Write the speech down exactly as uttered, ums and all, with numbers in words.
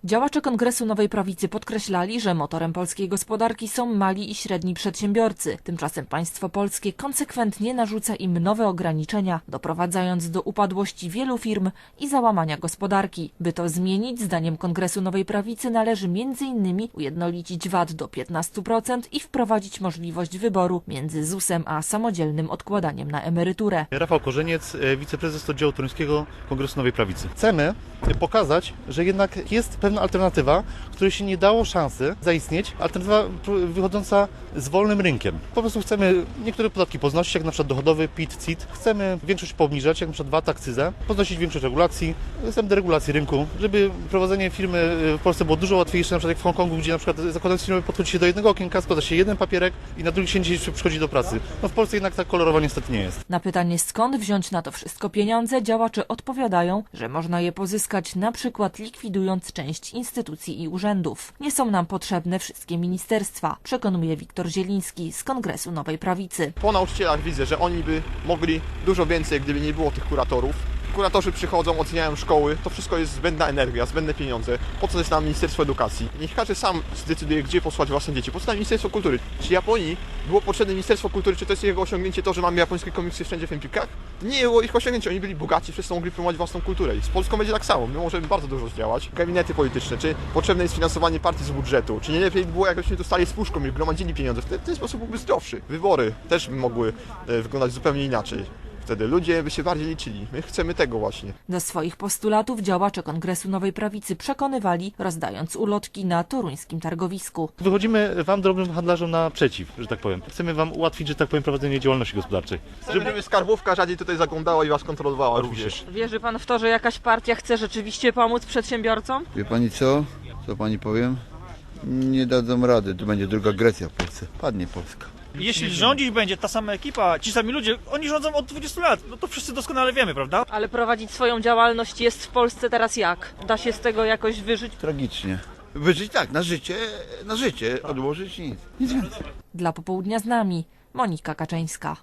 Działacze Kongresu Nowej Prawicy podkreślali, że motorem polskiej gospodarki są mali i średni przedsiębiorcy. Tymczasem państwo polskie konsekwentnie narzuca im nowe ograniczenia, doprowadzając do upadłości wielu firm i załamania gospodarki. By to zmienić, zdaniem Kongresu Nowej Prawicy należy między innymi ujednolicić V A T do piętnastu procent i wprowadzić możliwość wyboru między ZUS-em a samodzielnym odkładaniem na emeryturę. Rafał Korzeniec, wiceprezes oddziału toruńskiego Kongresu Nowej Prawicy. Chcemy pokazać, że jednak jest pewna alternatywa, której się nie dało szansy zaistnieć, alternatywa wychodząca z wolnym rynkiem. Po prostu chcemy niektóre podatki poznosić, jak na przykład dochodowy, P I T, C I T. Chcemy większość poobniżać, jak na przykład V A T, akcyzę, podnosić większość regulacji, chcemy deregulacji rynku, żeby prowadzenie firmy w Polsce było dużo łatwiejsze, na przykład jak w Hongkongu, gdzie na przykład zakładając firmę podchodzi się do jednego okienka, składa się jeden papierek i na drugi dzień się przychodzi do pracy. No w Polsce jednak tak kolorowo niestety nie jest. Na pytanie, skąd wziąć na to wszystko pieniądze, działacze odpowiadają, że można je pozyskać na przykład likwidując część instytucji i urzędów. Nie są nam potrzebne wszystkie ministerstwa, przekonuje Wiktor Zieliński z Kongresu Nowej Prawicy. Po nauczycielach widzę, że oni by mogli dużo więcej, gdyby nie było tych kuratorów. Kuratorzy przychodzą, oceniają szkoły, to wszystko jest zbędna energia, zbędne pieniądze. Po co jest nam Ministerstwo Edukacji? Niech każdy sam zdecyduje, gdzie posłać własne dzieci. Po co nam Ministerstwo Kultury? Czy Japonii było potrzebne Ministerstwo Kultury, czy to jest jego osiągnięcie to, że mamy japońskie komiksy wszędzie w Empikach? To nie było ich osiągnięcie, oni byli bogaci, wszyscy mogli promować własną kulturę. I z Polską będzie tak samo, my możemy bardzo dużo zdziałać. Gabinety polityczne, czy potrzebne jest finansowanie partii z budżetu, czy nie lepiej by było, jakbyśmy dostali z puszką i gromadzili pieniądze, w ten, w ten sposób byłby zdrowszy. Wybory też by mogły e, wyglądać zupełnie inaczej. Wtedy ludzie by się bardziej liczyli. My chcemy tego właśnie. Do swoich postulatów działacze Kongresu Nowej Prawicy przekonywali, rozdając ulotki na toruńskim targowisku. Wychodzimy wam, drobnym handlarzom, naprzeciw, że tak powiem. Chcemy wam ułatwić, że tak powiem, prowadzenie działalności gospodarczej. Żeby, żeby skarbówka rzadziej tutaj zaglądała i was kontrolowała również. Wierzy pan w to, że jakaś partia chce rzeczywiście pomóc przedsiębiorcom? Wie pani co? Co pani powiem? Nie dadzą rady. Tu będzie druga Grecja w Polsce. Padnie Polska. Jeśli rządzić będzie ta sama ekipa, ci sami ludzie, oni rządzą od dwudziestu lat, no to wszyscy doskonale wiemy, prawda? Ale prowadzić swoją działalność jest w Polsce teraz jak? Da się z tego jakoś wyżyć? Tragicznie. Wyżyć tak, na życie, na życie, odłożyć nic. Nic więcej. Dla Popołudnia z nami Monika Kaczyńska.